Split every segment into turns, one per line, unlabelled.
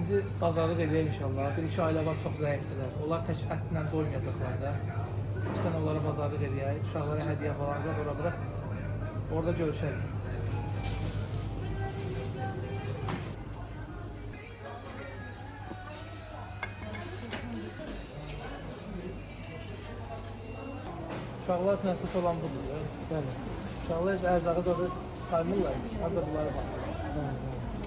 ikinci bazarlıq edək inşallah. Bir-iki ailə var, çox zəifdirlər. Onlar tək ətlə doymayacaqlar da. İşte onlara bazarlıq edək. Uşaqlara hədiyyə falan zət ora-bura. Orada görüşərik. Uşaqlar üçün əsas olan budur. Bəli. Uşaqlar isə ərzağı zadı saymırlar. Ancaq bunlara baxırlar.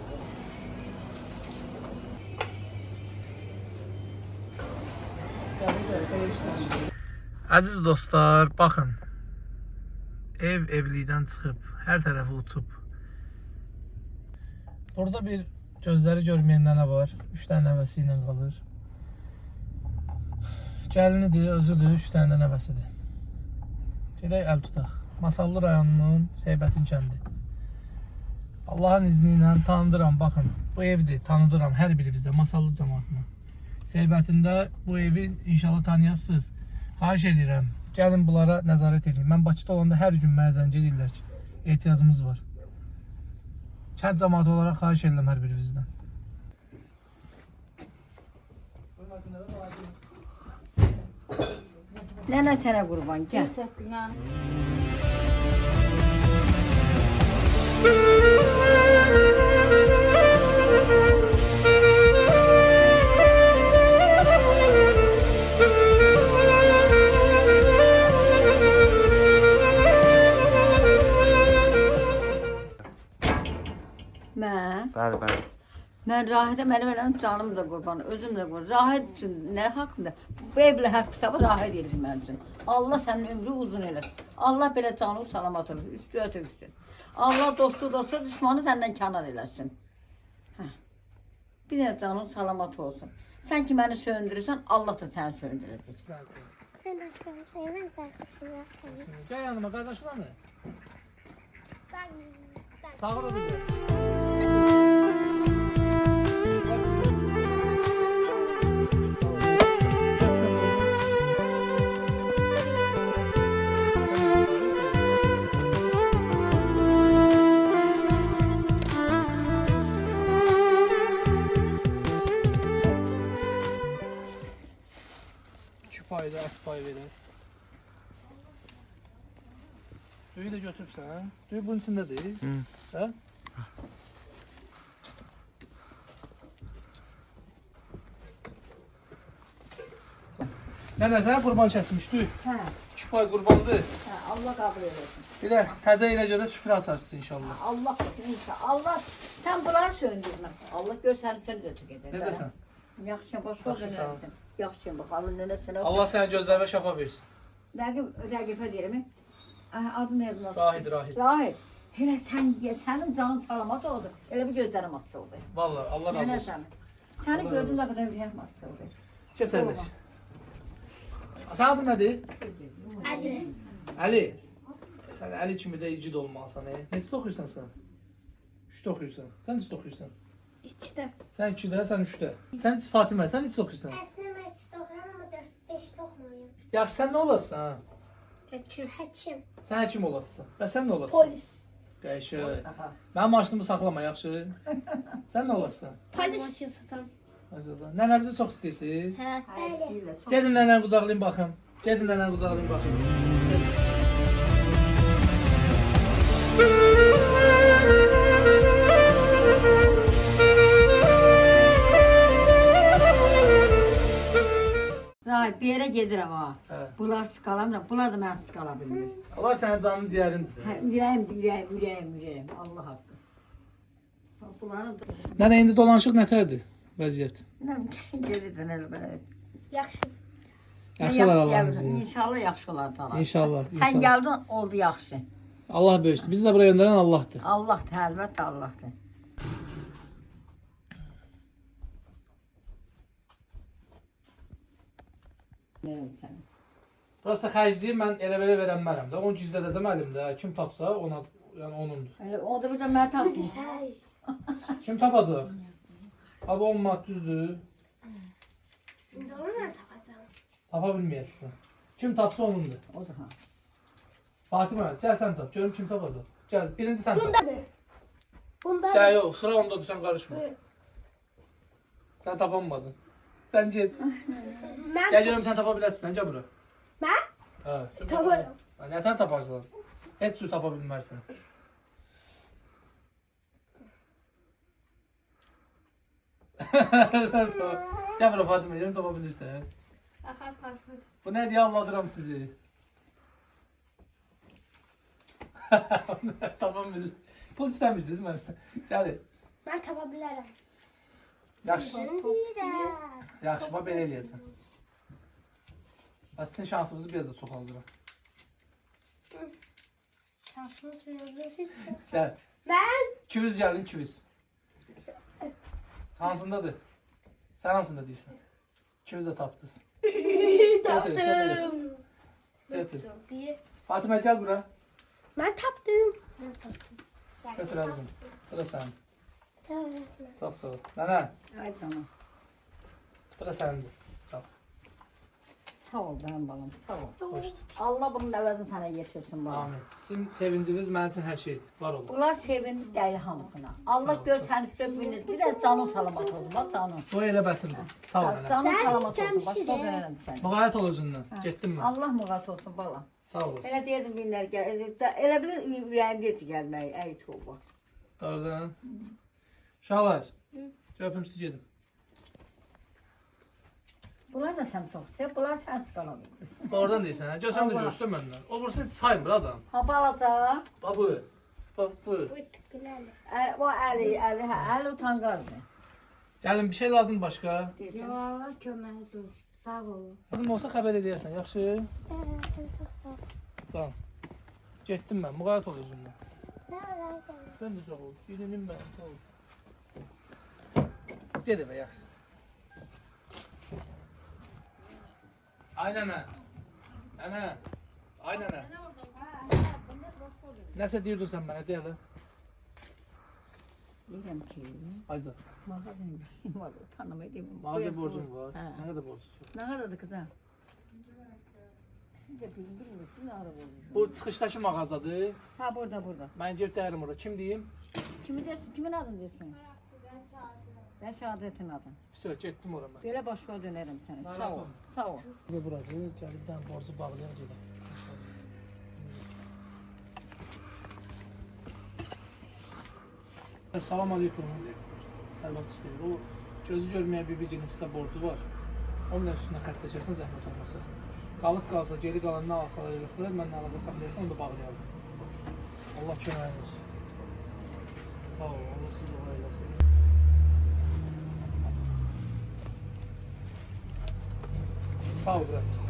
Əziz dostlar, baxın. Ev evlilikdən çıxıb, hər tərəfi uçub. Burada bir gözləri görməyən nənə var. 3 dənə nəvəsi ilə qalır. Gəlinidir, özüdür, 3 dənə də nəvəsidir. Gedək əl tutaq. Masallı rayonunun Seybətin kəndi. Allahın izni ilə tanıdıram, baxın. Bu evdir, tanıdıram hər birinizdə, Masallı cəmaatına. Seybətində bu evi inşallah tanıyasınız. Xahiş edirəm, gəlin bunlara nəzarət edin. Mən Bakıda olanda hər gün mənə zəng edirlər ki, ehtiyacımız var. Kənd cəmaatı olaraq xahiş edirəm hər birinizdən.
Nənə sənə qurban, gəl.
Bəli.
Mən Rahid'e mənim elərim canım da qurban, özüm də qurban. Rahid üçün nə haqqında? Bu evlə haqq hesabı Rahid edir mənim üçün. Allah sənin ömrü uzun eləsin. Allah belə canı salamat olsun, üstü ötüksün. Allah dostu, düşmanı səndən kənar eləsin. Bir də canın salamat olsun. Sən ki məni söndürürsən, Allah da səni söndürəcək.
Gəl yanıma, qardaşlar mı? Sağ ol da. Payda, at pay verir. Düyü də götürübsən. Düyü bunun içindədir. Hə? Nənə, sənə qurban kəsmişdik.
Hə.
2 pay qurbandır.
Hə, Allah qəbul eləsin.
Bir də təzə ilə görə süfrə açarsın inşallah.
Allah inşallah. Allah sən bunları söndürmə. Allah gör səni sən götür gedər.
Necəsən?
Yaxşı, baş ol dönərsən. Yaxşı, bakalım nənə sənə.
Allah sənə gözlərinə şəfa versin.
Rəqifə deyirəm. Adı nə yazılır?
Rahid.
Rahid. Elə sənin canın salamat oldu. Elə bir gözlərim açıldı.
Vallahi Allah razı olsun.
Səni gördüm nə qədər ürəyim açıldı.
Keçərlik. Sən adın nədir?
Ali.
Əli. Sən Əli kimi də igid olmalısan. Neçə oxuyursan sən? 3-də oxuyursan. Sən neçə oxuyursan?
2'de.
Sən 2-də, sən 3-də. Sən Fatimə, sən neçə oxuyursan?
Aslında ben 2'de okuyorum ama 4-5'de okumuyorum.
Yaxşı, sən nə olasın ha?
Hakim.
Sən həkim olasın. Və sən nə olasın?
Polis.
Qəşəng. Mənim maşınımı saxlama, yaxşı? Sən nə olasın?
Polis. Maşın satan.
Maşallah. Nənənizi çox istəyirsiniz?
He. Öyle.
Gedin nənəni qucaqlayın baxım. Gedin nənəni qucaqlayın baxım. Gedin.
Rahid, bir yerə gedirəm ha.
Hə.
Bunlar sıqalamıram, bunlar da mən sıqala bilmir.
Onlar sənin canın ciyərindir.
Hə, ürəyim. Allah haqqı. Bunların da...
Nənə, indi dolanışıq nətərdir vəziyyət?
Nə gedirdən elə belə.
Yaxşı.
Yaxşı olar Allah'ın izniyle.
İnşallah yaxşı olar da.
İnşallah.
Sən gəldin, oldu yaxşı.
Allah böyüksün. Bizi də buraya göndərən Allah'dır.
Allahdır, əlbəttə Allahdır. Neyim sənin?
Prosta xərcliyi mən elə belə verənmərəm də. Onu gizlədəcəm əlimdə. Kim tapsa ona, yəni onundur.
Elə o da bir də mən tapdım.
Kim tapacaq? Abi 10 manat düzdür.
Şimdi onu ne tapacağım?
Tapa bilməyəsən. Kim tapsa onundur.
O da ha.
Fatimə, gəl sən tap. Görüm kim tapacaq. Gəl, birinci sən tap.
Bunda.
Gəl, yox, sıra onda sən qarışma. Sen tapamadın. Sen get.
Ben
Gel görüm sen tapabilirsin. Sen gel bura.
Ben
Ha.
taparım.
Ne tane taparsın? Hiç su tapabilmezsin. Gel bura Fatıma. Yerim tapabilirsin.
Aha pasmadı.
Bu ne diye anladıram sizi. Tamam bilir. Pul istemişsiniz ben. Hadi.
Ben tapabilirim.
Yaxşı.
Deyirəm.
Yaxşı, bax belə eləyəcəm. Sizin şansınızı biraz da çoxaldıram.
Şansımız biraz bir.
Gəl.
Ben
200 gəlin, 200. Hansındadır? Sən hansında deyirsən? 200 də tapdınız.
taptım.
Getir.
Nasıl diye.
Fatıma gəl bura.
Ben taptım. Ben taptım.
Götür azım. Bu da sənin.
Sağ ol. öğretmen.
Sağ sağ ol. Nənə,
Ay canım.
bu da sənindir. Al.
Sağ ol benim balım, sağ ol.
Xoşdur.
Allah bunun əvəzini sənə yetirsin balım.
Amin. Sizin sevinciniz mənim üçün hər şeydir. Var olun.
Bunlar sevindi deyil hamısına. Allah
Sağ ol,
gör
sağ ol.
səni üstə bir də canın salamat olsun, bax canın.
Bu elə bəsindir. Sağ ol nənə.
Canın
Ben
salamat
gideceğim
olsun, başqa
şimdi.
dönərəm səni.
Müğayət ol özündən. Getdim mən.
Allah müğat olsun balam.
Sağ olasın.
Elə deyirdim binlər gəl, elə bilir ürəyim deyir ki gəlməyi, ey toba.
Doğrudan. Uşaqlar. Öpüm sizi gedim.
Bunlar da sən çox sevir, bunlar sən sıqalamır.
Doğrudan deyirsən, hə? Görsən də
Allah.
görüşdün məndən. O burası heç saymır adam.
Ha balaca,
Babı. Bab bu.
Bu tıkılarla.
o əli utanqazdır.
Gəlin bir şey lazım başqa.
Ya, kömək dur, sağ ol.
Lazım olsa xəbər edərsən, yaxşı?
Sen çok sağ ol.
Tamam. Getdim mən, müğayət ol özündən.
Sağ ol. öğretmen.
Mən də sağ ol. Gelinim mən, sağ ol. Ged evə, yaxşı. Ay nənə. Nənə. Ay nənə. Nəsə deyirdin sən mənə, deyə də.
Deyirəm ki,
Ayca.
mağazın var, tanımayı deyim.
Mağaza borcum var.
Hə.
Nə qədər borcun var?
Nə qədərdir qızım? Bilmirsin, nə ara borcum.
Bu çıxışdakı mağazadır.
Ha, burada.
Mən gedib dəyərim ora. Kim deyim?
Kimi deyirsin, kimin adını deyirsin? Ben Şəhadətin adın.
Söz, getdim ora mən.
Belə başqa dönərəm sənə. Sağ ol, sağ ol.
Bize burası gəlib dən borcu bağlayan gedək. Salam aleyküm. Əlbəttə istəyir. O gözü görməyən bir birinin sizə borcu var. Onun üstündə xətt çəkərsən zəhmət olmasa. Qalıb qalsa, geri qalan nə alsalar eləsələr, mənlə əlaqə saxlayarsan, onu da bağlayalım. Allah köməyin olsun. Sağ ol, Allah sizi dua eləsin. Sağ ol, bırak.